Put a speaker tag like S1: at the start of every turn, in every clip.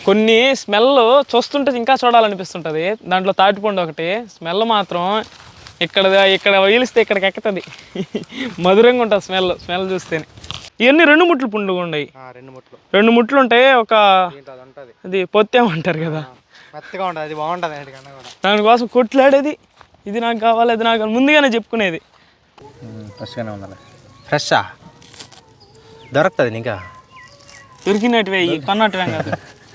S1: కొన్ని స్మెల్ చూస్తుంటే ఇంకా చూడాలనిపిస్తుంటుంది. దాంట్లో తాటిపండు ఒకటి స్మెల్ మాత్రం ఇక్కడ వదిలిస్తే ఇక్కడికి ఎక్కుతుంది. మధురంగా ఉంటుంది స్మెల్ చూస్తేనే. ఇవన్నీ 2 ముట్లు పుండుగా ఉన్నాయి. 2 ముట్లు ఉంటాయి. ఒక అది పొత్తేమంటారు కదా,
S2: మెత్తగా ఉంటుంది. అది బాగుంటుంది.
S1: దానికోసం కొట్లాడేది, ఇది నాకు కావాలి అది నాకు ముందుగానే చెప్పుకునేది.
S2: ఫ్రెష్గానే ఉండాలి. ఫ్రెషా దొరుకుతుంది ఇంకా
S1: దొరికినట్టువే, ఈ కొన్నట్టువే కాదు.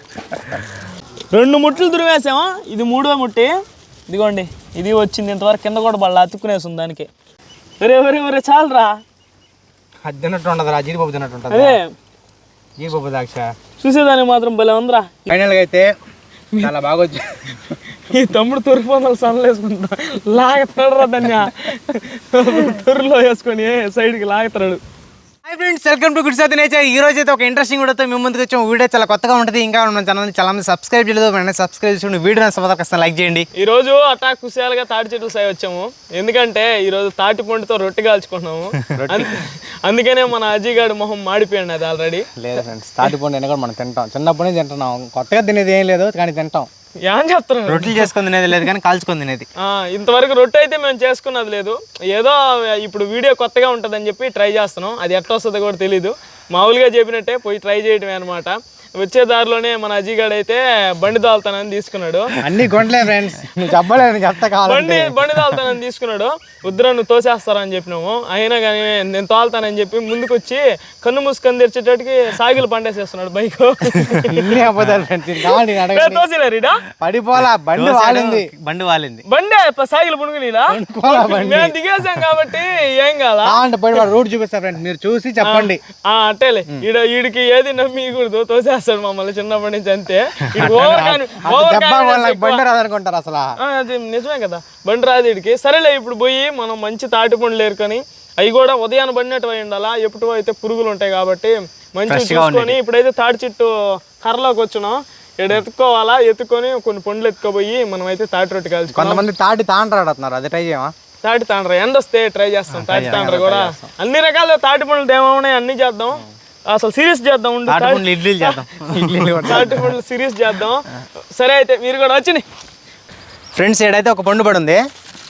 S1: 2 ముట్లు దురివేసాము. ఇది 3వ ముట్టి. ఇదిగోండి, ఇది వచ్చింది. ఇంతవరకు కింద కూడా బళ్ళ అతుక్కునేస్తుంది దానికి. ఒరే చాలరా,
S2: అది తిన్నట్టు ఉండదురా, జీడిపప్పు తిన్నట్టు ఉంటుంది.
S1: అదే
S2: జీడిపప్పు ద్రాక్ష
S1: చూసేదానికి మాత్రం భలే ఉందిరా.
S2: ఫైనల్గా అయితే చాలా బాగా వచ్చి
S1: ఈ తమ్ముడు తొరుపు వందలు సన్నలు వేసుకుంటా లాగుతాడు దాన్ని. తొర్రులో వేసుకొని సైడ్కి లాగుతాడు.
S2: Hi friends, welcome to good సాత్ నేచర్. ఈ రోజు అయితే ఒక ఇంట్రెస్టింగ్ వీడియోతో మేము ముందుకు వచ్చాము. వీడియో చాలా కొత్తగా ఉంటుంది. ఇంకా మన ఛానల్ చాలా మంది సబ్స్క్రైబ్ చేయలేదు. వెంటనే సబ్స్క్రైబ్ చేసుకుని వీడియో నచ్చకపోతే లైక్ చేయండి.
S1: ఈ రోజు అట్టా కుశాలుగా తాటి చెట్లు సాయి వచ్చాము. ఎందుకంటే ఈ రోజు తాటి పండుతో రొట్టె కాల్చుకున్నాము. అందుకనే మన అజీగాడు మొహం మాడిపోయాడు. అది ఆల్రెడీ
S2: లేదు ఫ్రెండ్స్, తాటి పండు అయినా కూడా మనం తింటాం. చిన్నప్పటి నుంచి తింటున్నాం. కొత్తగా తినేది ఏం లేదు, కానీ తింటాం.
S1: ఏం చెప్తున్నాను,
S2: రొట్టెలు చేసుకొని తినేది లేదు, కానీ కాల్చుకొని తినేది.
S1: ఇంతవరకు రొట్టె అయితే మేము చేసుకున్నది లేదు. ఏదో ఇప్పుడు వీడియో కొత్తగా ఉంటుందని చెప్పి ట్రై చేస్తున్నాం. అది ఎట్లా వస్తుందో కూడా తెలీదు. మామూలుగా చెప్పినట్టే పోయి ట్రై చేయడమే అనమాట. వచ్చే దారిలోనే మన అజీగాడు అయితే బండి దాల్తానని తీసుకున్నాడు.
S2: అన్ని కొండలే ఫ్రెండ్స్, నువ్వు చెప్పలేదు, చెప్తా కావాలి.
S1: బండి దాల్తానని తీసుకున్నాడు. వద్దురా నువ్వు తోసేస్తారని చెప్పినాము. అయినా కానీ నేను తోలుతానని చెప్పి ముందుకు వచ్చి కన్ను మూసుకొని తెరిచేటట్టుకి సాగిలు పండేసేస్తున్నాడు బైక్. తోసేలేరీడా,
S2: పడిపోలా, బండి వాలింది.
S1: బండి సాగిలు పుణుకునిలా మేము దిగేసాం కాబట్టి ఏం కాదా.
S2: రూట్ చూపిస్తా ఫ్రెండ్స్, మీరు చూసి చెప్పండి.
S1: అట్టేలే, వీడికి ఏది నమ్మకూడదు, తోసేస్తాడు మమ్మల్ని చిన్నప్పటి నుంచి. అంతే,
S2: బండి రాదనుకుంటారు అసలు.
S1: అది నిజమే కదా, బండి రాదు వీడికి. సరేలే, ఇప్పుడు పోయి మనం మంచి తాటి పండ్లు ఏరుకొని, అవి కూడా ఉదయాన్ని బండినట్టు అయి ఉండాలా. ఎప్పుడు అయితే పురుగులు ఉంటాయి కాబట్టి మంచిగా చూసుకొని. ఇప్పుడైతే తాటి చెట్టు కర్రలోకి వచ్చినాం. ఇక్కడ ఎత్తుక్కొని కొన్ని పండ్లు ఎత్తుకోపోయి మనం అయితే తాటి రొట్టె కాల్చుకోవాలి.
S2: కొంతమంది తాటి తాండ్రాడుతున్నారు, అది ట్రై చేయమా?
S1: తాటి తాండ్ర ఎండ వస్తే ట్రై చేస్తాం. తాటి తాండ్ర కూడా అన్ని రకాల తాటి పండ్లు ఏమవున్నాయి అన్ని చేద్దాం. అసలు సిరీస్ చేద్దాం, తాటి పండ్లు సిరీస్ చేద్దాం. సరే అయితే మీరు కూడా వచ్చినాయి
S2: ఫ్రెండ్స్. ఏడైతే ఒక పండు పడి ఉంది.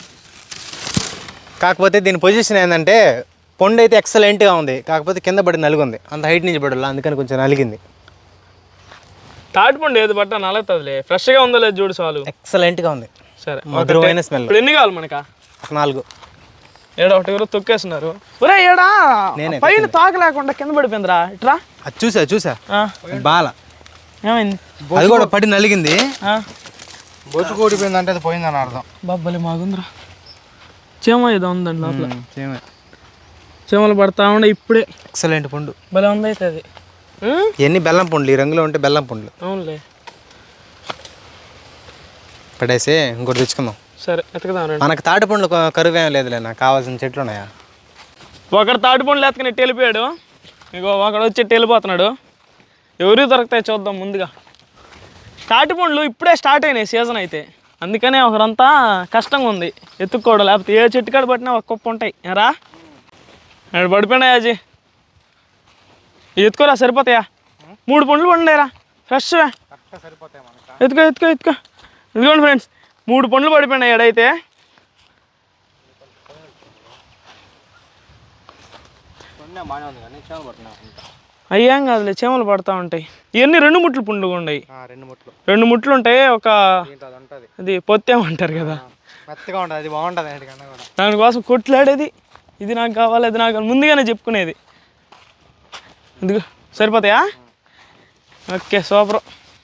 S2: కాకపోతే దీని పొజిషన్ ఏంటంటే, పండు అయితే ఎక్సలెంట్గా ఉంది. కాకపోతే కింద పడి నలుగుంది. అంత హైట్ నుంచి పడాలి, అందుకని కొంచెం నలిగింది.
S1: తాటి పండు ఏది పట్టా నలుగుతుందిలే. ఫ్రెష్గా ఉందో లేదు చూడు, చాలు.
S2: ఎక్సలెంట్గా ఉంది.
S1: సరే,
S2: మధురమైన స్మెల్.
S1: ఇప్పుడు ఎన్ని కావాలి మనకా?
S2: 4.
S1: ఏడా ఒకటి ఎవరో తొక్కేస్తున్నారు. ఒరే ఏడా పైన తాక లేకుండా కింద పడిపోయిందిరా. ఇట్రా,
S2: అది చూసా బాల
S1: ఏమైంది?
S2: అది కూడా పడి నలిగింది. బొచ్చు కూడిపోయింది అంటే అది పోయిందని అర్థం.
S1: బాబ్బలే మాగుందిరా. చీమ ఏదో ఉందండి లోపల. చీమలు పడతా ఉండే ఇప్పుడే.
S2: ఎక్సలెంట్ పండు,
S1: భలే ఉంది అయితే అది.
S2: ఎన్ని బెల్లం పండ్లు, ఈ రంగులో ఉంటే బెల్లం పండ్లు.
S1: అవునులే,
S2: పడేసి ఇంకోటి తెచ్చుకుందాం.
S1: సరే ఎత్తుకుదాం.
S2: మనకు తాటి పండ్లు కరువు ఏం లేదులే, నాకు కావాల్సిన చెట్లు ఉన్నాయా.
S1: ఒకడు తాటి పండ్లు ఎత్తుకుని వెళ్ళిపోయాడు. ఇగో ఒకడు వచ్చి వెళ్ళిపోతున్నాడు. ఎవరికి దొరుకుతాయి చూద్దాం ముందుగా. తాటి పండ్లు ఇప్పుడే స్టార్ట్ అయినాయి సీజన్ అయితే, అందుకనే ఒకరంతా కష్టంగా ఉంది ఎత్తుక్కోవడం. లేకపోతే ఏ చెట్టు కాడ పట్టినా ఒక కుప్ప ఉంటాయి. రా అక్కడ పడిపోయినాయి అజీ, ఎత్తుకోరా సరిపోతాయా? 3 పండ్లు పండురా ఫ్రెష్. ఎత్తుకో. ఇదిగోండి ఫ్రెండ్స్, 3 పండ్లు పడిపోయినాయి ఎడైతే. అయ్యాం కాదులే, చీమలు పడతా ఉంటాయి. ఇవన్నీ 2 ముట్లు పుండుగా ఉన్నాయి. 2 ముట్లు ఉంటాయి. ఒక అది పొత్తేమంటారు కదా,
S2: మెత్తగా ఉంటుంది. అది బాగుంటుంది.
S1: దానికోసం కొట్లాడేది, ఇది నాకు కావాలి అది నాకు ముందుగానే చెప్పుకునేది. ఇదిగో సరిపోతాయా? Okay, super.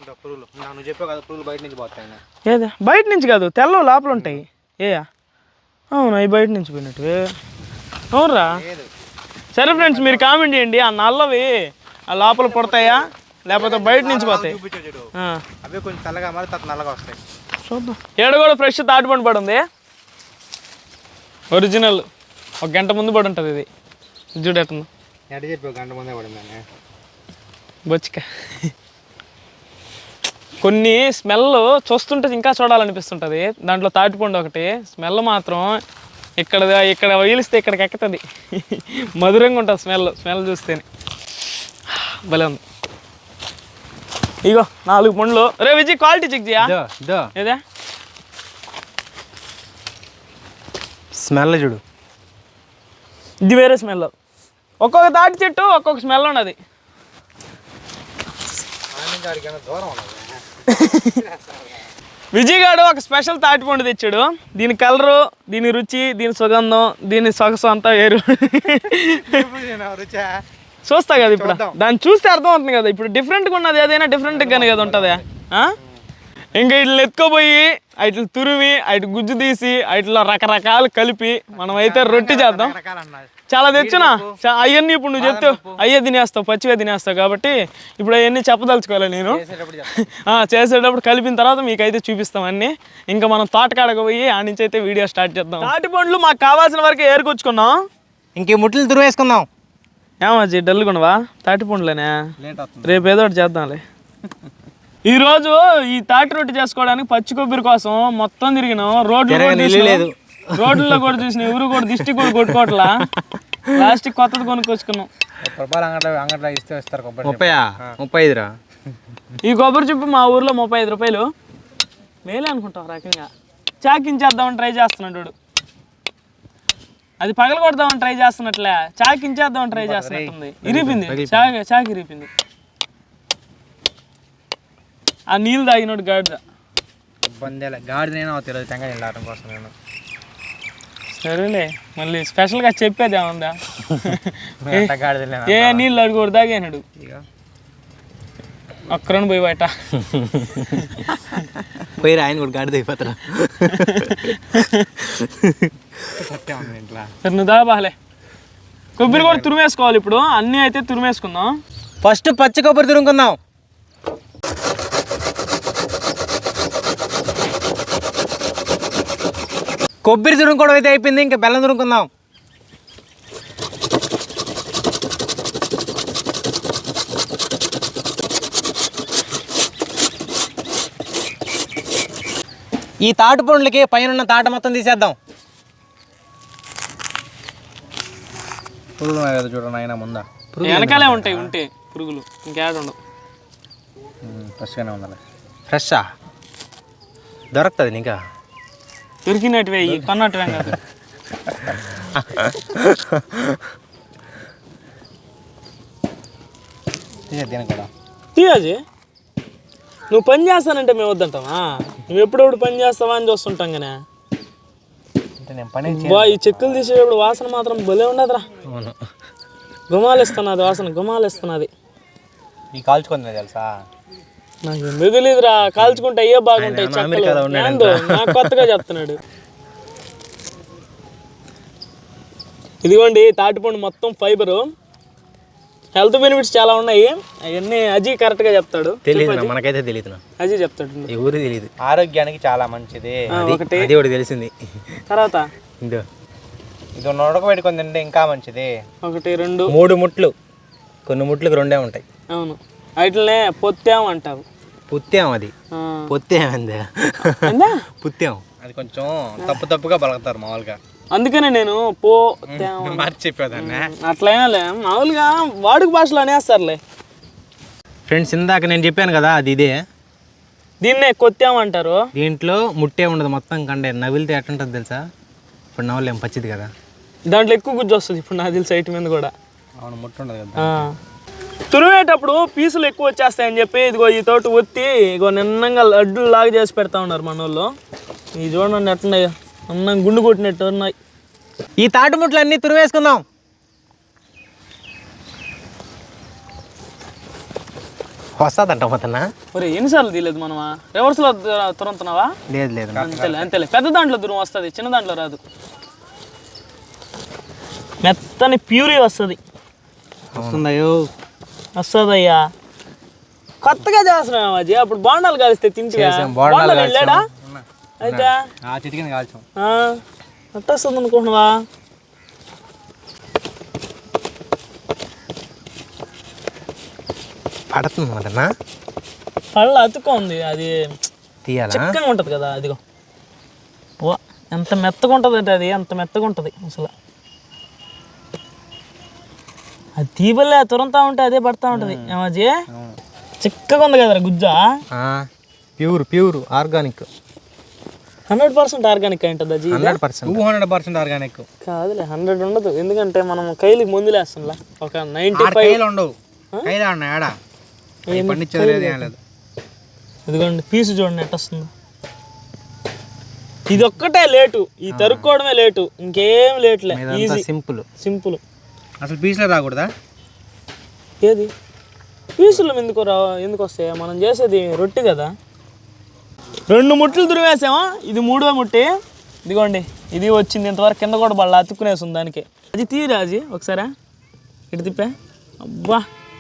S1: ఏదా బయట నుంచి కాదు, తెల్ల లోపల ఉంటాయి. అవును, అవి బయట నుంచి పోయినట్టు. అవునరా. సరే ఫ్రెండ్స్, మీరు కామెంట్ చేయండి, ఆ నల్లవి ఆ లోపల పడతాయా లేకపోతే బయట నుంచి పోతాయి? చూద్దాం. ఏడ కూడా ఫ్రెష్ తాటి పండు పడి ఉంది, ఒరిజినల్. 1 గంట ముందు పడి ఉంటుంది ఇది. చూడేస్తుంది బొచ్చిక. కొన్ని స్మెల్ చూస్తుంటే ఇంకా చూడాలనిపిస్తుంటుంది. దాంట్లో తాటిపండు ఒకటి స్మెల్ మాత్రం ఇక్కడ వదిలిస్తే ఇక్కడికి ఎక్కుతుంది. మధురంగా ఉంటుంది స్మెల్ చూస్తేనే. భలే ఉంది. ఇగో 4 పండ్లు. రే విజయ్ క్వాలిటీ చెక్ చేయా ఏదే
S2: స్మెల్ చూడు,
S1: ఇది వేరే స్మెల్. ఒక్కొక్క తాటి చెట్టు ఒక్కొక్క స్మెల్ ఉన్నది. విజయ్ గారు ఒక స్పెషల్ తాటి పండు తెచ్చాడు. దీని కలరు, దీని రుచి, దీని సుగంధం, దీని సొగసు అంతా వేరు. చూస్తా కదా ఇప్పుడు, దాన్ని చూస్తే అర్థం అవుతుంది కదా. ఇప్పుడు డిఫరెంట్గా ఉన్నది ఏదైనా డిఫరెంట్గానే కదా ఉంటుంది. ఇంకా ఇట్లా ఎత్తుకోపోయి ఇట్లా తురిమి అటు గుజ్జు తీసి ఇట్లా రకరకాలు కలిపి మనమైతే రొట్టె చేద్దాం. చాలా తెచ్చునా అవన్నీ ఇప్పుడు నువ్వు చెప్తావు అయ్యే తినేస్తావు, పచ్చివే తినేస్తావు. కాబట్టి ఇప్పుడు అవన్నీ చెప్పదలుచుకోవాలి నేను. చేసేటప్పుడు కలిపిన తర్వాత మీకైతే చూపిస్తాం అన్నీ. ఇంకా మనం తోటకాడకు పోయి ఆ నుంచి అయితే వీడియో స్టార్ట్ చేద్దాం. తాటి పండ్లు మాకు కావాల్సిన వరకు ఏరుకొచ్చుకున్నాం.
S2: ఇంకే ముట్లు తురివేసుకుందాం.
S1: ఏమజ్జి డల్గున్నావా? తాటి పండ్లేనే, రేపు ఏదో ఒకటి చేద్దాంలే. ఈరోజు ఈ తాటి రొట్టె చేసుకోవడానికి పచ్చి కొబ్బరి కోసం మొత్తం తిరిగినాం. రోడ్లలో కూడా చూసినాం. ఎవరు కూడా దిష్టి కూడా కొట్టుకోవట్లా. ప్లాస్టిక్ కొత్తది కొనుక్కొచ్చుకున్నాం.
S2: 35
S1: ఈ కొబ్బరి చెప్పు మా ఊర్లో 35 రూపాయలు. మేలే అనుకుంటాం రకంగా. చాకించేద్దామని ట్రై చేస్తున్నాడు. అది పగల కొడదామని ట్రై చేస్తున్నట్లే, చాకించేద్దామని ట్రై చేస్తున్నట్టుంది. ఇరిపింది, చాకి ఇరిపింది. ఆ నీళ్ళు తాగినోడు గాడిద. సరేలే, మళ్ళీ స్పెషల్గా చెప్పేది ఏముందా? ఏ నీళ్ళు అడుగుడు తాగాడు ఒక్కరని పోయి బయట
S2: పోయి ఆయన కూడా గాడిద అయిపోతారా?
S1: సరే నువ్వు దాబాలే. కొబ్బరి కూడా తురిమేసుకోవాలి. ఇప్పుడు అన్నీ అయితే తురిమేసుకుందాం.
S2: ఫస్ట్ పచ్చి కొబ్బరి తురుముకుందాం. కొబ్బరి తురుముకోవడం అయితే అయిపోయింది. ఇంకా బెల్లం తురుముకుందాం. ఈ తాటి పండ్లకి పైన ఉన్న తాట మొత్తం తీసేద్దాం. పురుగులు కదా చూడండి ఆయన ముందా.
S1: వెనకాలే ఉంటాయి ఉంటే పురుగులు, ఇంకేడ ఉండవు.
S2: ఫ్రెష్గానే ఉండాలి. ఫ్రెషా దొరుకుతుంది ఇంకా
S1: దొరికినట్టువే, కొన్నట్టువే కాదు. తీయాజీ నువ్వు పని చేస్తానంటే మేము వద్దంటావా? నువ్వు ఎప్పుడెప్పుడు పని చేస్తావా అని చూస్తుంటాం కానీ. ఈ చెక్కులు తీసేటప్పుడు వాసన మాత్రం భలే ఉండదురా. గుమాలిస్తున్నది వాసన, గుమాలిస్తున్నది.
S2: కాల్చుకుంది తెలుసా?
S1: నాకు ఎందుకు తెలియదురా. కాల్చుకుంటే అయ్యే బాగుంటాయి చెక్కలు. నాకు కొత్తగా చెప్తున్నాడు. ఇదిగోండి తాటిపండు మొత్తం ఫైబరు, హెల్త్ బెనిఫిట్స్ చాలా ఉన్నాయి. అవన్నీ అజీ కరెక్ట్గా చెప్తాడు.
S2: తెలియదు, మనకైతే తెలియదు.
S1: అజీ చెప్తాడు.
S2: ఎవరు తెలియదు. ఆరోగ్యానికి చాలా మంచిది. ఒకటి తెలిసింది.
S1: తర్వాత
S2: ఇది ఉడకబెట్టుకొని తింటే ఇంకా మంచిది.
S1: 1 2
S2: 3 ముట్లు. కొన్ని ముట్లకు 2 ఉంటాయి.
S1: అవును, వాటినే పొత్తాం అంటావు.
S2: పుత్తాం, అది పొత్తేమంది పుత్తాం. అది కొంచెం తప్పుగా పలుకుతారు మామూలుగా.
S1: అందుకనే నేను
S2: మార్చి చెప్పేదాన్ని.
S1: అట్లయినా మామూలుగా వాడుక భాషలో అనేస్తారులే.
S2: ఫ్రెండ్స్, ఇందాక నేను చెప్పాను కదా, అది ఇదే.
S1: దీన్నే కొత్తామంటారు.
S2: దీంట్లో ముట్టే ఉండదు, మొత్తం కండే. నవిలితే ఎట్లుంటుంది తెలుసా? ఇప్పుడు నవ్వలేం, పచ్చిది కదా.
S1: దాంట్లో ఎక్కువ గుజ్జు వస్తుంది. ఇప్పుడు నాకు తెలిసి సైట్ మీద కూడా.
S2: అవును, ముట్టు ఉండదు కదా.
S1: తురిమేటప్పుడు పీసులు ఎక్కువ వచ్చేస్తాయని చెప్పి ఇదిగో ఈ తోటి ఒత్తి ఇగో నిన్నంగా లడ్డూలు లాగా చేసి పెడతా ఉన్నారు మన వాళ్ళు. ఈ చూడండి ఎట్టున్నాయో, అన్నం గుండు కొట్టినట్టు ఉన్నాయి.
S2: ఈ తాటి ముట్లు అన్నీ తురివేసుకుందాం. వస్తుందంట మొత్తం.
S1: మరి ఎన్నిసార్లు తీయలేదు మనమా? రివర్స్లో తురుముతున్నావా?
S2: లేదు,
S1: అంతేలే. పెద్ద దాంట్లో తురుము వస్తుంది, చిన్న దాంట్లో రాదు. మెత్తని ప్యూరీ వస్తుంది. వస్తుందయ్యా. కొత్తగా చేస్తున్నాం అజీ. అప్పుడు బాండాలు కాలిస్తే తింటే వెళ్ళాడా అయితే అట్ట వస్తుంది అనుకుంటున్నావా?
S2: పడుతుంది
S1: పళ్ళ అతుక్గా ఉంది. అది
S2: తీయాలా?
S1: చిక్కగా ఉంటుంది కదా. అదిగో ఎంత మెత్తగా ఉంటుంది అంటే అది అంత మెత్తగా ఉంటుంది అసలు. అది తీబల్లే తురంతా ఉంటే అదే పడతా ఉంటుంది. ఏమాజీ చిక్కగా ఉంది కదరా గుజ్జా.
S2: ప్యూర్ ఆర్గానిక్,
S1: 100% ఆర్గానిక్ ఉంటుంది అది.
S2: 200% ఆర్గానిక్
S1: కాదులే, 100 ఉండదు. ఎందుకంటే మనం కైలికి మందులు వేస్తాంలా, ఒక 95
S2: ఉండవు. కైలా ఉన్నాయి ఆడ పండించేది లేదు.
S1: ఇదిగోండి పీసు చూడండి ఎట్ట వస్తుందో. ఇది ఒక్కటే లేటు, ఈ తరుక్కోవడమే లేటు, ఇంకేం లేట్లే. సింపుల్.
S2: అసలు పీసులో రాకూడదా?
S1: ఏది పీసులు ఎందుకు వస్తాయి? మనం చేసేది రొట్టి కదా. 2 ముట్లు తురిమేసామా, ఇది 3వ ముట్టి. ఇదిగోండి ఇది వచ్చింది, ఇంతవరకు కింద కూడా బళ్ళ అతుక్కునేస్తుంది దానికి. అది తీరాజీ ఒకసారి ఇటు తిప్పే. అబ్బా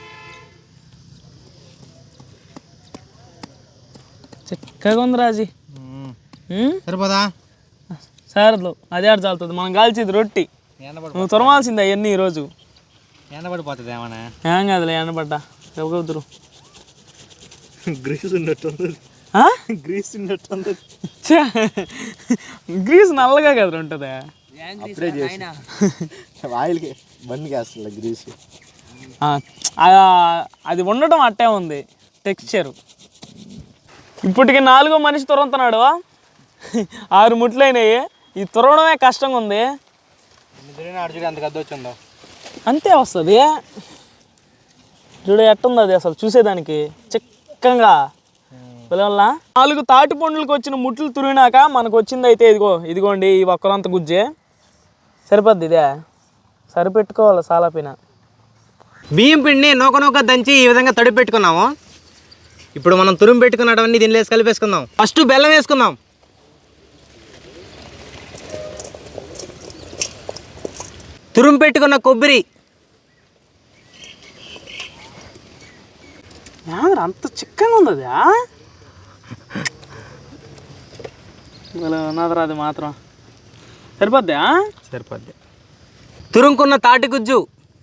S1: చక్కగా ఉంది రాజీ.
S2: సరిపోదా?
S1: సరదు అదే ఆడ చాలుతుంది. మనం కాల్చేది రొట్టి, నువ్వు తురమాల్సిందే అవన్నీ ఈరోజు.
S2: ఎండబడిపోతుంది ఏమన్నా?
S1: ఏం కాదులే, ఎండబడ్డా ఎవరు
S2: గ్రీస్ ఉన్నట్టుంది.
S1: గ్రీస్ నల్లగా కదా ఉంటుంది.
S2: ఆయిల్కి బండికి వేస్తుంది గ్రీస్.
S1: అది ఉండటం అట్టే ఉంది టెక్స్చరు. ఇప్పటికి 4వ మనిషి తురంతున్నాడు. 6 ముట్లు అయినాయి. ఈ తురవడమే కష్టంగా ఉంది.
S2: అంత గద్ద వచ్చిందో
S1: అంతే వస్తుంది. చూడు ఎట్టుంది అది అసలు చూసేదానికి చిక్కగా. పిల్లల 4 తాటి పండ్లకు వచ్చిన ముట్లు తురినాక మనకు వచ్చింది అయితే ఇదిగోండి ఈ ఒక్కరంత గుజ్జే సరిపోద్ది. ఇదే సరిపెట్టుకోవాలి సాలాపిన.
S2: బియ్యం పిండిని నూక దంచి ఈ విధంగా తడి పెట్టుకున్నాము. ఇప్పుడు మనం తురుము పెట్టుకున్నవన్నీ దీనిలో వేసి కలిపేసుకుందాం. ఫస్ట్ బెల్లం వేసుకుందాం. తురుము పెట్టుకున్న కొబ్బరి,
S1: అంత చిక్కగా ఉంది అది. ఉన్నదిరా అది మాత్రం సరిపోద్దా?
S2: సరిపోద్ది. తురుముకున్న తాటి గుజ్జు,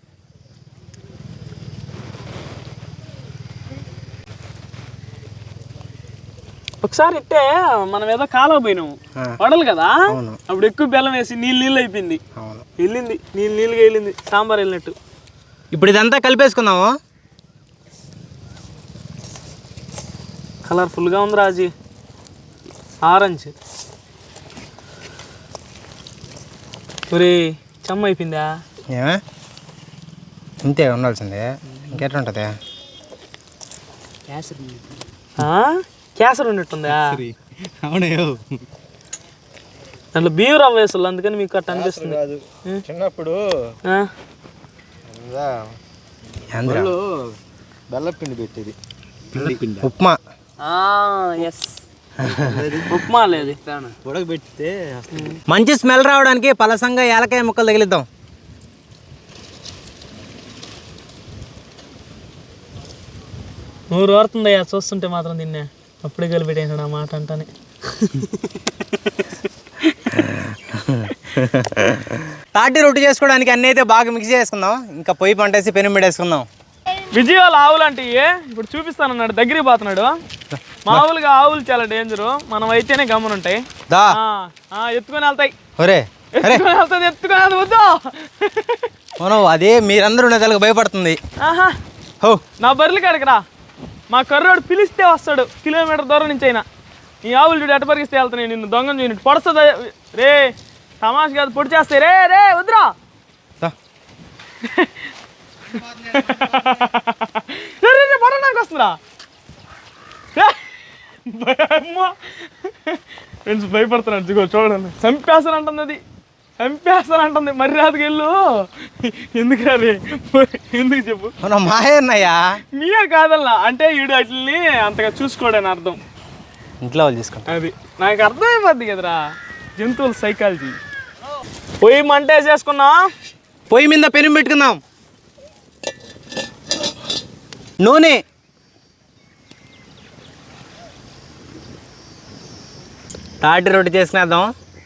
S1: ఒకసారి ఇట్టే మనం ఏదో కాలువ పోయినాము వడలు కదా, అప్పుడు ఎక్కువ బెల్లం వేసి నీళ్ళు అయిపోయింది. వెళ్ళింది నీళ్ళుగా వెళ్ళింది, సాంబార్ వెళ్ళినట్టు.
S2: ఇప్పుడు ఇదంతా కలిపేసుకుందాము.
S1: కలర్ఫుల్గా ఉంది రాజీ, ఆరెంజ్. ఒరే చెమ్మ అయిపోయిందా?
S2: ఏమే ఇంతే ఉండాల్సిందే, ఇంకెట్లుంటుంది?
S1: కేసరి ఉన్నట్టుందా?
S2: అవునయ్యో,
S1: దాంట్లో బియ్యం రవ్వ వేసాలి, అందుకని మీకు అట్ట అనిపిస్తుంది.
S2: చిన్నప్పుడు బెల్లపిండి పెట్టేది, ఉప్మా.
S1: ఉప్మా లేదు
S2: ఉడకబెట్టితే మంచి స్మెల్ రావడానికి పలసంగా ఏలకాయ ముక్కలు తగిలిద్దాం.
S1: నూరు ఓరుతుందయ్యా చూస్తుంటే మాత్రం తిన్నా. అప్పుడే కలిపెట్టేసాడు ఆ మాట అంటానే.
S2: తాటి రొట్టి చేసుకోవడానికి అన్నీ అయితే బాగా మిక్స్ చేసుకుందాం. ఇంకా పొయ్యి పంటేసి పెను పెట్టేసుకుందాం.
S1: విజయవాళ్ళ ఆవులు అంటే ఇప్పుడు చూపిస్తానన్నాడు, దగ్గరికి పోతున్నాడు. మామూలుగా ఆవులు చాలా డేంజరు, మనం అయితేనే గమనుంటాయి. ఎత్తుకొని వెళ్తాయి. ఎత్తుకొని వెళ్తుంది వద్దు.
S2: మనం అదే మీరందరూ ఉండేదానికి భయపడుతుంది.
S1: నా బర్రెలు కాడికి రా, మా కర్రోడు పిలిస్తే వస్తాడు, కిలోమీటర్ దూరం నుంచి అయినా. ఈ ఆవులు చూడు ఎట్ట పరిగిస్తే వెళ్తున్నాయి, నిన్ను దొంగను చూసినట్టు పొడుస్తుంది. రే తమాష కాదు, పొడి చేస్తాయి. రే వద్దురా. పడడానికి వస్తుందా? ఫ్రెండ్స్ భయపడుతున్నాడు. దిగో చూడండి, చంపేస్తానంటుంది అది, చంపేస్తానంటుంది. మరి రాదుకి వెళ్ళు. ఎందుకు రాదు? ఎందుకు చెప్పు?
S2: మాయన్నయ్యా
S1: మీయా కాదల్లా, అంటే ఈడు వాటిని అంతగా చూసుకోడని అర్థం.
S2: ఇంట్లో వాళ్ళు తీసుకుంటా,
S1: అది నాకు అర్థమైపోద్ది కదరా జంతువుల సైకాలజీ. పొయ్యి మంట వేసేసుకున్నా,
S2: పొయ్యి మీద పెను పెట్టుకుందాం. నూనె, తాటి రొట్టి చేసుకునేద్దాం.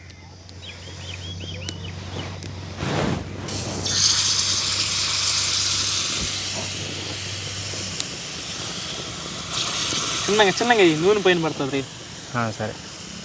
S1: చిన్నగా నూనె పైన పడుతుంది.
S2: సరే,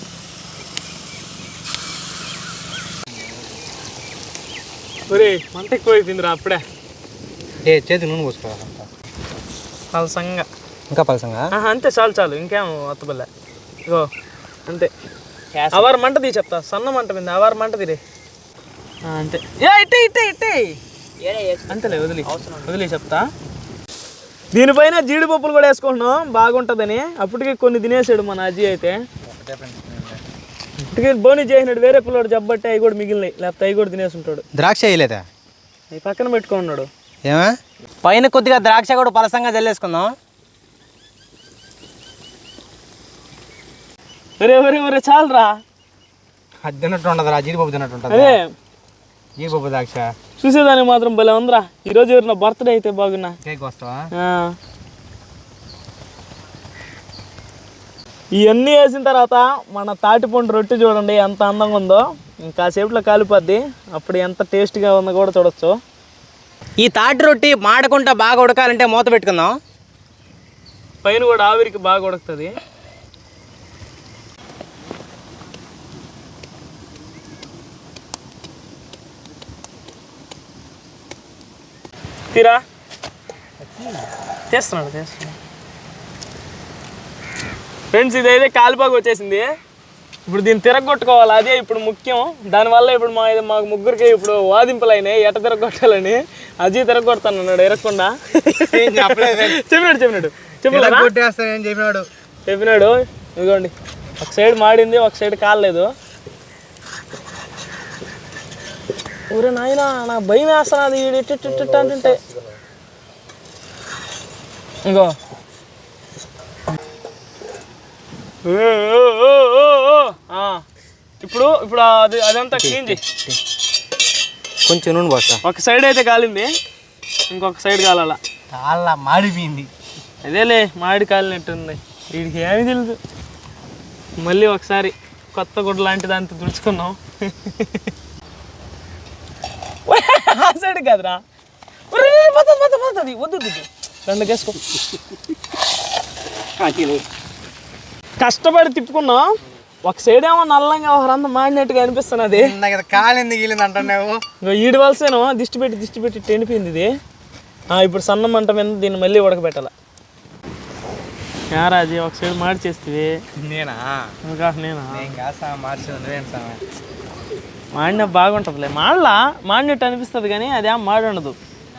S1: ఒరే మంట ఎక్కువ అయిపోయిందిరా అప్పుడే.
S2: చేతి నూనె పోసుకోవాలి
S1: పలసంగా.
S2: ఇంకా పలసంగా
S1: అంతే చాలు చాలు ఇంకేం అత్తబల్లే ఇగో అంతే అవర్ మంట తీ చెప్తా సన్న మంట మీద అవర్ మంట తీరే అంతే ఇట్టే ఇట్టే ఇట్టే అంతేలే వదిలి చెప్తా. దీనిపైన జీడిపప్పులు కూడా వేసుకుంటున్నాం బాగుంటుందని. అప్పటికి కొన్ని తినేసాడు మన అజ్జీ అయితే. ఇప్పటికి బోని చేసినాడు వేరే పిల్లడు జబ్బట్టి అవి కూడా మిగిలినాయి, లేకపోతే అవి కూడా తినేసి ఉంటాడు.
S2: ద్రాక్ష వేయలేదా?
S1: అవి పక్కన పెట్టుకున్నాడు.
S2: ఏమా పైన కొద్దిగా ద్రాక్ష కూడా పలసంగా జల్లేసుకుందాం.
S1: ఒరే చాలరా.
S2: అది తిన్నట్టు ఉండదురా, జీడిపప్పు తిన్నట్టు ఉంటుంది.
S1: అదే
S2: జీడిపప్పు ద్రాక్ష
S1: చూసేదానికి మాత్రం భలే ఉందిరా. ఈరోజు ఎవరు నా బర్త్డే అయితే బాగున్నా.
S2: కేక్ వస్తావా?
S1: ఇవన్నీ వేసిన తర్వాత మన తాటిపండు రొట్టె చూడండి ఎంత అందంగా ఉందో. ఇంకాసేపులో కాలిపోద్ది, అప్పుడు ఎంత టేస్ట్గా ఉందో కూడా చూడొచ్చు.
S2: ఈ తాటి రొట్టి మాడకుండా బాగా ఉడకాలంటే మూత పెట్టుకుందాం.
S1: పైన కూడా ఆవిరికి బాగా ఉడుకుతుంది. తీరా చేస్తున్నాడు ఫ్రెండ్స్. ఇదైతే కాలిపాకు వచ్చేసింది. ఇప్పుడు దీన్ని తిరగొట్టుకోవాలి, అదే ఇప్పుడు ముఖ్యం. దానివల్ల ఇప్పుడు మాకు ముగ్గురికి ఇప్పుడు వాదింపులు అయినాయి ఎట్ట తిరగొట్టాలని. అజీ తిరగొడతాను అన్నాడు ఎరగకుండా. చెప్పినాడు. ఇదిగోండి ఒక సైడ్ మాడింది, ఒక సైడ్ కాలేదు. ఊరే నాయన నాకు భయం వేస్తున్నది ఇట్ట అంటుంటే. ఇంకో ఇప్పుడు ఇప్పుడు అదంతా క్లీన్ చేయి.
S2: కొంచెం నూనె పోస్తా.
S1: ఒక సైడ్ అయితే కాలింది, ఇంకొక సైడ్ కాలాల.
S2: చాలా మాడిపోయింది.
S1: అదేలే మాడి కాలినట్టుంది. వీడికి ఏమి తెలుసు. మళ్ళీ ఒకసారి కొత్త గుడ్డ లాంటి దాంతో తుడుచుకున్నాం. ఆ సైడ్ కాదురా, వద్దు రెండు కేసుకో. కష్టపడి తిప్పుకున్నాం. ఒక సైడ్ ఏమో నల్లంగా ఒకరంతా మాడినట్టుగా అనిపిస్తున్నది.
S2: కాలింది గీలింది అంటున్నావు.
S1: ఈడి వలసేనో దిష్టి పెట్టి టెనిపోయింది ఇది. ఇప్పుడు సన్న మంట మీద దీన్ని మళ్ళీ ఉడకబెట్టాల. యారాజీ ఒక సైడ్ మాడి చేస్తే
S2: నేనా?
S1: నేనా
S2: మార్చి
S1: మాడిన బాగుంటుందిలే. మాడినట్టు అనిపిస్తుంది కానీ అదేం మాడి ఉండదు.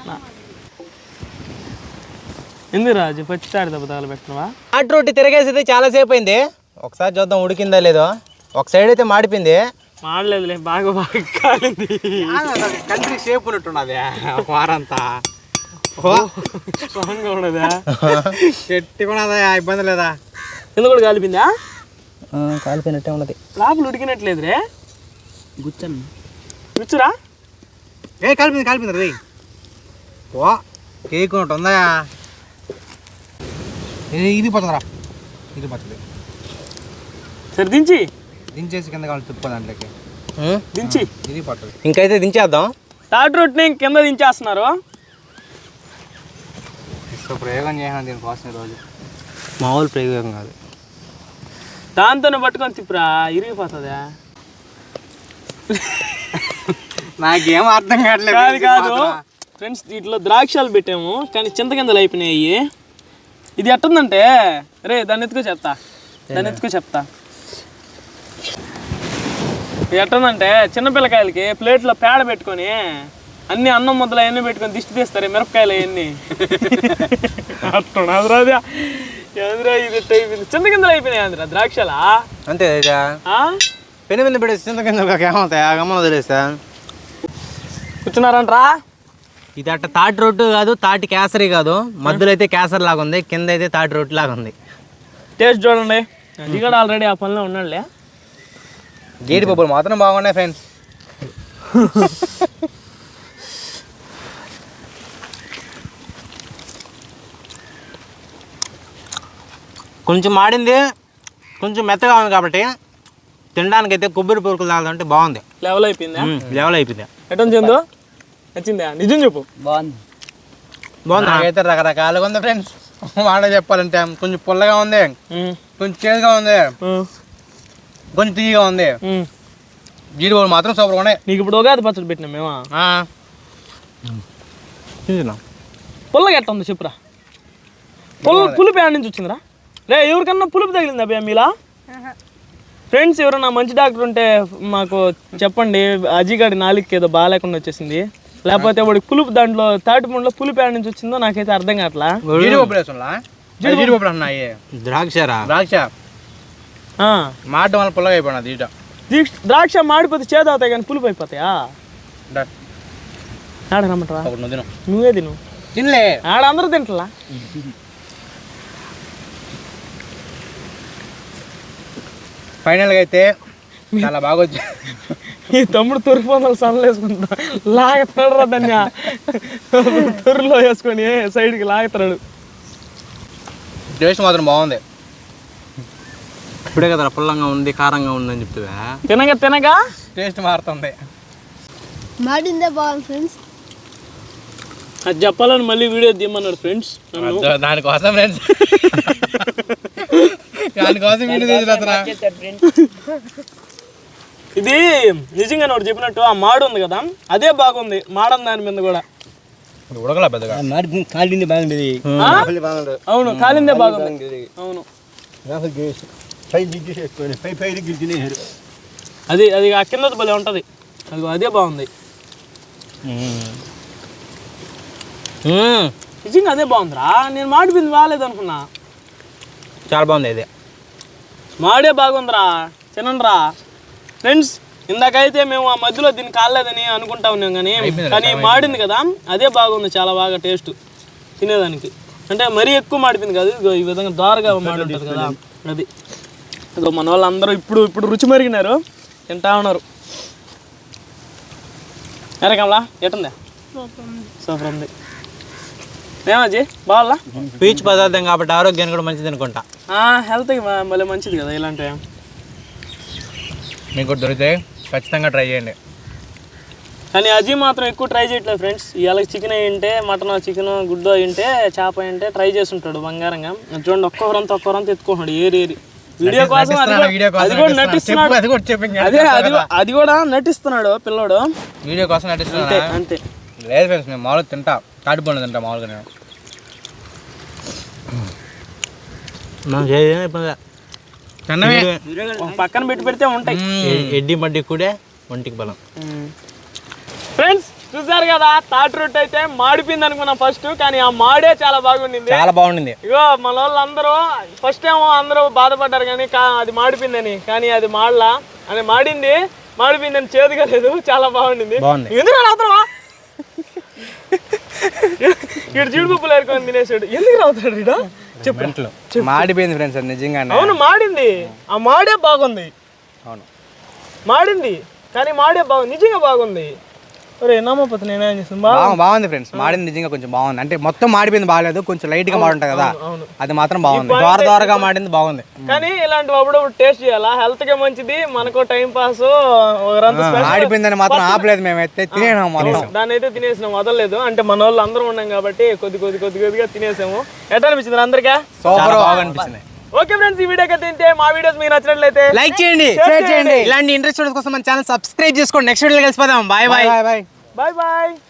S1: ఎందుకు రాజు పచ్చితాడి దెబ్బ పెట్టినవా?
S2: తాటి రొట్టి తిరగేసి చాలాసేపు అయింది. ఒకసారి చూద్దాం ఉడికిందా లేదో. ఒక సైడ్ అయితే మాడిపోయింది.
S1: మాడలేదులే, బాగా కాలింది.
S2: కంట్రీ షేప్ ఉన్నట్టున్నది వారంతా.
S1: స్ట్రాంగ్గా ఉన్నదా?
S2: గట్టిగా ఇబ్బంది లేదా?
S1: కింద కూడా కాలిపోయిందా?
S2: కాలిపోయినట్టే ఉన్నది.
S1: లోపల ఉడికినట్లేదురే. గుచ్చురా.
S2: కాలిపోయింది రీ. ఓ కేక్ ఉన్నట్టు ఉందా? ఇది పోతుందిరా, ఇది పోతుంది.
S1: సరే
S2: దించేసి కింద కావాలి తిప్ప దాంట్లోకి
S1: దించి
S2: ఇది పోతుంది. ఇంకైతే దించేద్దాం.
S1: తాటి రొట్టిని కింద దించేస్తున్నారు.
S2: ప్రయోగం చేసాను దీనికోసం ఈరోజు. మామూలు ప్రయోగం కాదు.
S1: దాంతోనే పట్టుకొని తిప్పురా, ఇరిగిపోతుందా?
S2: నాకేం అర్థం కావట్లేదు.
S1: కాదు ఫ్రెండ్స్, వీటిలో ద్రాక్షాలు పెట్టాము కానీ చింతకిందలు అయిపోయినాయి. ఇది ఎట్టుందంటే దాన్ని ఎత్తుకో చెప్తా. ఇది ఎట్టుందంటే చిన్నపిల్లకాయలకి ప్లేట్లో పేడ పెట్టుకొని అన్ని అన్నం ముద్దలు అవన్నీ పెట్టుకొని దిష్టి తీస్తారు మిరపకాయలు అవన్నీ. అట్టున్నాదిరా ఇది చింతకిందలు అయిపోయినాయి అందిరా ద్రాక్షలా.
S2: అంతే పెను మీద పెట్టి చింతకిందలు ఏమవుతాయి? ఆ గమ్మలు వదిలేస్తా.
S1: కూర్చున్నారంట్రా.
S2: ఇది అట్ట తాటి రొట్టు కాదు, తాటి కేసరి కాదు. మధ్యలో అయితే కేసరి లాగా ఉంది, కింద అయితే తాటి రొట్టు లాగా ఉంది.
S1: టేస్ట్ చూడండి. అది కూడా ఆల్రెడీ ఆ పనిలో ఉన్నాడులే.
S2: జీడిపప్పులు మాత్రం బాగున్నాయి ఫ్రెండ్స్. కొంచెం మాడింది, కొంచెం మెత్తగా ఉంది కాబట్టి తినడానికి అయితే కొబ్బరి పొరుకులు తాగుతుంటే బాగుంది.
S1: లెవెల్ అయిపోయిందా?
S2: లెవెల్ అయిపోయింది.
S1: ఎటం చెందో నచ్చిందా? నిజం చెప్పు.
S2: బాగుంది. నాకైతే రకరకాలుగా ఉంది ఫ్రెండ్స్. మాట చెప్పాలంటే కొంచెం పుల్లగా ఉంది, కొంచెం చేదుగా ఉంది, కొంచెం తీయగా ఉంది. జీడిపప్పులు మాత్రం సూపర్గా ఉన్నాయి.
S1: నీకు ఇప్పుడు ఉగాది పచ్చడి పెట్టినా మేమా?
S2: తిన్నా.
S1: పుల్లగా ఎట్ట ఉంది చెప్పురా. పులుపు ఏడ నుంచి వచ్చిందిరా రే ఎవరికన్నా పులుపు తగిలిందా అబ్బాయి మీలా ఫ్రెండ్స్ ఎవరన్నా మంచి డాక్టర్ ఉంటే మాకు చెప్పండి అజీగాడి నాలుగుకి ఏదో బాగాలేకుండా వచ్చేసింది లేకపోతే వాడి పులుపు దాంట్లో తాటిపండులో పులుపు ఏడ నుంచి వచ్చిందో నాకైతే అర్థం కావట్లా
S2: జీడిపప్పు అన్నాయి ద్రాక్ష మాట వల్ల పుల్లగా అయిపోయినా
S1: ద్రాక్ష మాడిపోతే చేదు అవుతాయి కానీ పులుపు అయిపోతాయా ఆడ రమ్మంటారా నువ్వే తిను
S2: తినలే
S1: ఆడ అందరూ తింటలా
S2: ఫైనల్గా అయితే చాలా బాగా వచ్చి
S1: ఈ తమ్ముడు తొరి పొందలు సన్నలు వేసుకుంటా లాగుతాడు రా దాన్ని తొరిలో వేసుకొని సైడ్కి లాగుతాడు
S2: టేస్ట్ మాత్రం బాగుంది ఇప్పుడే కదా పుల్లంగా ఉంది కారంగా ఉంది అని చెప్తావా
S1: తినగా
S2: టేస్ట్ మారుతుంది
S3: మాడిందే బాగుంది ఫ్రెండ్స్
S1: అది చెప్పాలని మళ్ళీ వీడియో తీయమన్నాడు ఫ్రెండ్స్
S2: దానికోసం ఫ్రెండ్స్ దానికోసం వీడియో తీసిన
S1: ఇది నిజంగా నువ్వు చెప్పినట్టు ఆ మాడు ఉంది కదా అదే బాగుంది మాడం దాని మీద కూడా
S2: ఉడకలా పెద్దగా కాలింది బాగుండేది
S1: అవును కాలిందే బాగుంది అవును అది అది ఆ కింద భలే ఉంటుంది అది అదే బాగుంది నిజంగా అదే బాగుందిరా నేను మాడిపోయింది బాగాలేదు అనుకున్నా
S2: చాలా బాగుంది అదే
S1: మాడే బాగుందిరా తినండిరా ఫ్రెండ్స్ ఇందాకైతే మేము ఆ మధ్యలో దీన్ని కాలేదని అనుకుంటా ఉన్నాం కానీ మాడింది కదా అదే బాగుంది చాలా బాగా టేస్ట్ తినేదానికి అంటే మరీ ఎక్కువ మాడిపోయింది కాదు ఇగో ఈ విధంగా దారుగా మాడి ఉంటుంది కదా అది ఇగో మన వాళ్ళందరూ ఇప్పుడు రుచి మరిగినారు తింటా ఉన్నారు ఎరకమ్లా ఎట్టుందా సూపర్ ఉంది ఏమజ్జి బావాలా
S2: పీచు పదార్థం కాబట్టి ఆరోగ్యానికి కూడా మంచిది అనుకుంటా
S1: హెల్త్కి మళ్ళీ మంచిది కదా ఇలాంటివి
S2: మీకు దొరికితే ఖచ్చితంగా ట్రై చేయండి
S1: కానీ అజీ మాత్రం ఎక్కువ ట్రై చేయట్లేదు ఫ్రెండ్స్ ఇవాళ చికెన్ అయ్యింటే మటన్ చికెన్ గుడ్డు అయ్యింటే చేప అయ్యింటే ట్రై చేస్తుంటాడు బంగారంగా చూడండి ఒక్కొక్కరంతా ఎత్తుకుంటున్నాడు ఏరి వీడియో కోసం అది కూడా నటిస్తున్నాడు అదే అది కూడా నటిస్తున్నాడు పిల్లోడు
S2: వీడియో కోసం నటిస్తున్నాడు
S1: అంతే
S2: లేదు ఫ్రెండ్స్ నేను మామూలుగా తింటా తాటిపండు తింటా మామూలుగా నేను
S1: పక్కన పెడితే ఉంటాయి
S2: ఎడ్డి మడ్డి కూడా ఒంటికి బలం
S1: ఫ్రెండ్స్ చూసారు కదా తాటి రొట్టె అయితే మాడిపోయింది అనుకున్నాం ఫస్ట్ కానీ ఆ మాడే చాలా బాగుండింది
S2: చాలా బాగుండింది
S1: ఇగో మన వాళ్ళు అందరూ ఫస్ట్ ఏమో అందరూ బాధపడ్డారు కానీ అది మాడిపోయిందని కానీ అది మాడలా అని మాడిపోయిందని చేదుగా లేదు చాలా బాగుండింది ఎందుకు రావుతావా ఇక్కడ జీడిపప్పులు ఏరుకొని తినేసాడు ఎందుకు రావుతాడు ఇడ చెప్పు
S2: మాడిపోయింది ఫ్రెండ్స్ నిజంగా
S1: అవును మాడింది ఆ మాడే బాగుంది
S2: అవును
S1: మాడింది కానీ మాడే బాగుంది నిజంగా బాగుంది ఒరే నమ్మపోతే నేనేం చేస్తాను
S2: బాగుంది ఫ్రెండ్స్ మాడింది నిజంగా కొంచెం బాగుంది అంటే మొత్తం మాడిపోయింది బాగాలేదు కొంచెం లైట్ గా మాడుంటుంది కదా అది మాత్రం బాగుంది దోరగా మాడింది బాగుంది
S1: కానీ ఇలాంటి అప్పుడప్పుడు టేస్ట్ చేయాలా హెల్త్ కి మంచిది మనకు టైం పాస్
S2: మాడిపోయిందని మాత్రం ఆపలేదు మేమైతే తినేసాం
S1: దాన్ని అయితే తినేసినాం వదలలేదు అంటే మన వాళ్ళు అందరూ ఉన్నాం కాబట్టి కొద్దిగా తినేసాము ఎట్లా అనిపించింది అందరికీ
S2: సూపర్ బాగా అనిపించింది
S1: ఓకే ఫ్రెండ్స్ ఈ వీడియోకి తింటే మా వీడియోస్ మీకు నచ్చినట్లయితే
S2: లైక్ చేయండి షేర్ చేయండి ఇలాంటి ఇంట్రెస్ట్ కోసం మన ఛానల్ సబ్స్క్రైబ్ చేసుకోండి నెక్స్ట్ వీడియోలో కలిసిపోదాం బాయ్ బాయ్
S1: బాయ్